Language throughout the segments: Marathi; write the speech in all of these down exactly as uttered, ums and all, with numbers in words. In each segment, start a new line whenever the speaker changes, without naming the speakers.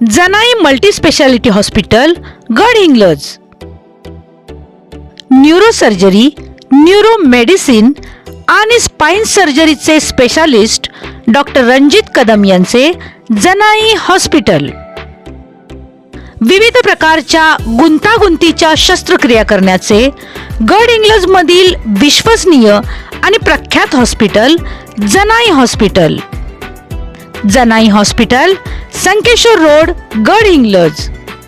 Janai multi speciality hospital Gadhinglaj. Neurosurgery, neuro medicine आणि स्पाइन सर्जरीचे स्पेशालिस्ट डॉक्टर रणजित कदम यांचे जनाई हॉस्पिटल. विविध प्रकारच्या गुंतागुंतीच्या शस्त्रक्रिया करण्याचे गडहिंग्लज मधील विश्वसनीय आणि प्रख्यात hospital Janai hospital. Janai hospital, Sankeshwar road, Gadhinglaj.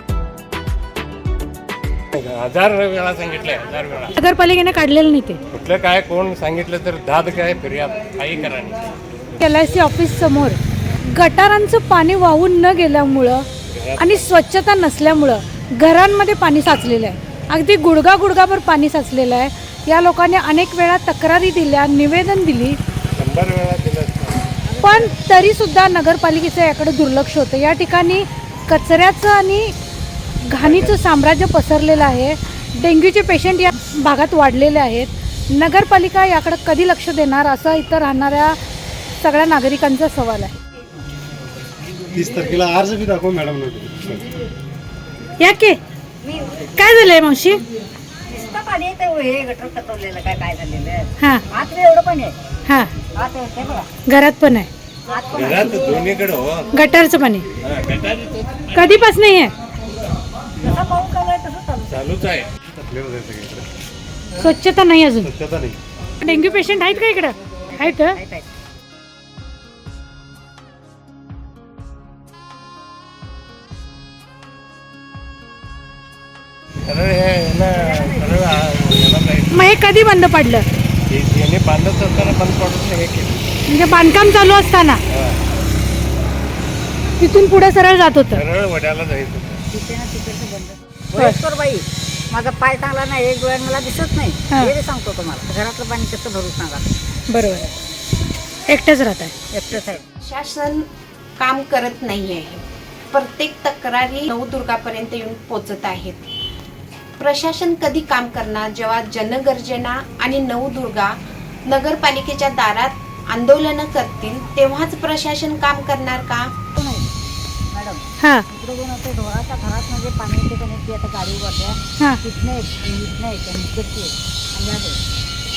हजार वेळा सांगितलंय, हजार वेळा.
नगरपालिकेने काढलेलं नाही ते.
कुठलं काय कोण सांगितलं तर दाद काय फिर्याद काही करा नाही.
एल आय सी ऑफिस समोर गटारांचं पाणी वाहून न गेल्यामुळं आणि स्वच्छता नसल्यामुळं घरांमध्ये पाणी साचलेलं आहे. अगदी गुडगा गुडगाभर पाणी साचलेलं आहे. या लोकांनी अनेक वेळा तक्रारी दिल्या, निवेदन दिली,
शंभर वेळा दिलं,
पण तरीसुद्धा नगरपालिकेचं याकडे दुर्लक्ष होतं. या ठिकाणी कचऱ्याचं आणि घाणीचं साम्राज्य पसरलेलं आहे. डेंग्यूचे पेशंट या भागात वाढलेले आहेत. नगरपालिका याकडे कधी लक्ष देणार असा इथं राहणाऱ्या सगळ्या नागरिकांचा सवाल आहे.
तीस तारखेला अर्ज बी दाखव मॅडम.
या के काय झालंय मावशी?
पाणी येतं हे गटर कटवलेलं काय काय झालेलं आहे.
हां
आत एवढं पाणी आहे.
हां,
आत येते बघा.
घरात पण आहे.
आत पण
घरात दोन्हीकडे हो.
गटारचं पाणी
हा, गटारी
कधीपासून नाही आहे.
जसा पाऊस चालू आहे तसं चालू.
चालूच आहे.
स्वच्छता नाही अजून.
स्वच्छता नाही.
डेंग्यू पेशंट आहेत का इकडं? आहेत.
आहेत, आहेत.
सरळ हे ना सरळ आ- याला नाही.
मग हे कधी बंद पडलं?
हे- याने बांधत असताना बंद पडून हे केलं.
म्हणजे बांधकाम चालू असताना
हा,
तिथून पुढे सरळ जात होतं.
सरळ वड्याला जायचं.
तिथे ना तिकडचं बंद. वयस्कर बाई, माझा पाय चांगला नाही, एक डोळ्यात मला दिसत नाही.
हा.
हे बी सांगतो तुम्हाला. घरातलं पाणी कसं भरू सांगा.
बरोबर आहे. एकटंच राहत आहे.
एकटंच आहे.
शासन काम करत नाही आहे. प्रत्येक तक्रारी नवदुर्गापर्यंत येऊन पोचत आहेत. प्रशासन कधी काम करणार? जेव्हा जनगर्जना आणि नवदुर्गा नगरपालिकेच्या दारात आंदोलनं करतील तेव्हाच प्रशासन काम करणार का?
नाही मॅडम,
हां
इकडे दोन असं ढोळाच्या घरात म्हणजे पाणी येते का नाही, ती आता गाडी वाटल्या
हां
तिथनं एक आणि इथनं एक आणि इकडची एक आणि या दोन.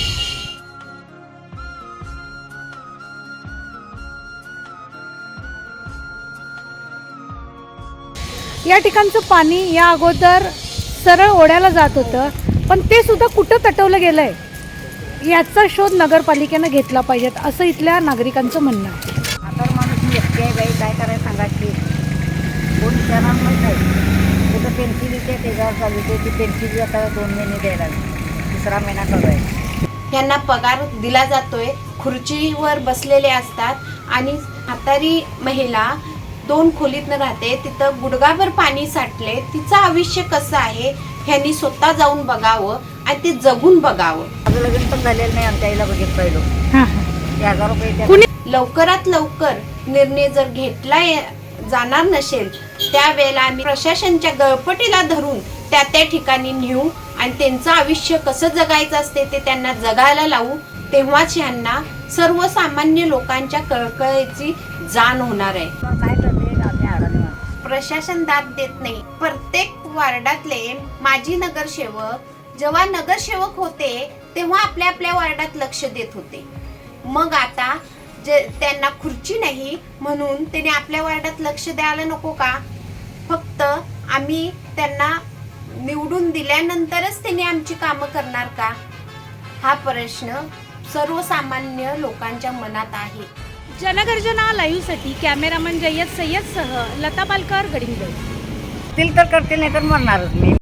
या ठिकाणचं पाणी या अगोदर सरळ ओढ्याला जात होतं, पण ते सुद्धा कुठं तटवलं गेलं आहे याचा शोध नगरपालिकेनं घेतला पाहिजेत असं इथल्या नागरिकांचं म्हणणं आहे.
आता माणूस मी एकटी आहे बाई, काय करायचं सांगा की कोण विचारणार माहीत नाही. कुठं पेन्सिल येते त्याच्यावर चालू होते. ती पेन्सिल आता दोन महिने द्यायला लागली. तिसरा महिना चालू आहे.
यांना पगार दिला जातोय, खुर्चीवर बसलेले असतात आणि म्हातारी महिला दोन खोलीतनं राहते, तिथं गुडगाभर पाणी साठले. तिचं आयुष्य कसं आहे ह्यांनी स्वतः जाऊन बघावं आणि ते जगून बघावं.
माझं लग्न पण झालेलं नाही. आमच्या आईला बघित पाहिलं.
हां
ते हजार रुपये त्या-
कुणी
लवकरात लवकर निर्णय जर घेतला ये- जाणार नसेल त्यावेळेला आम्ही प्रशासनच्या गळपटीला धरून त्या त्या ठिकाणी नेऊ आणि त्यांचं आयुष्य कसं जगायचं असते ते त्यांना जगायला लावू. तेव्हाच यांना सर्वसामान्य लोकांच्या कळकळीची जाण होणार आहे.
काय करते आम्ही अडाणी माणसं.
प्रशासन दाद देत नाही. प्रत्येक वार्डातले माजी नगरसेवक जेव्हा नगरसेवक होते तेव्हा आपल्या आपल्या वार्डात लक्ष देत होते. मग आता जे त्यांना खुर्ची नाही म्हणून त्याने आपल्या वार्डात लक्ष द्यायला नको का? फक्त आम्ही त्यांना निवडून दिल्यानंतरच त्यांनी आमची कामं करणार का? हा प्रश्न सर्वसामान्य लोकांच्या मनात आहे.
जनगर्जना लाईव्हसाठी कॅमेरामन जय्यद सय्यदसह लता पालकर, गडहिंग्लज.
तील तर करतील, नाही तर मरणारच मी.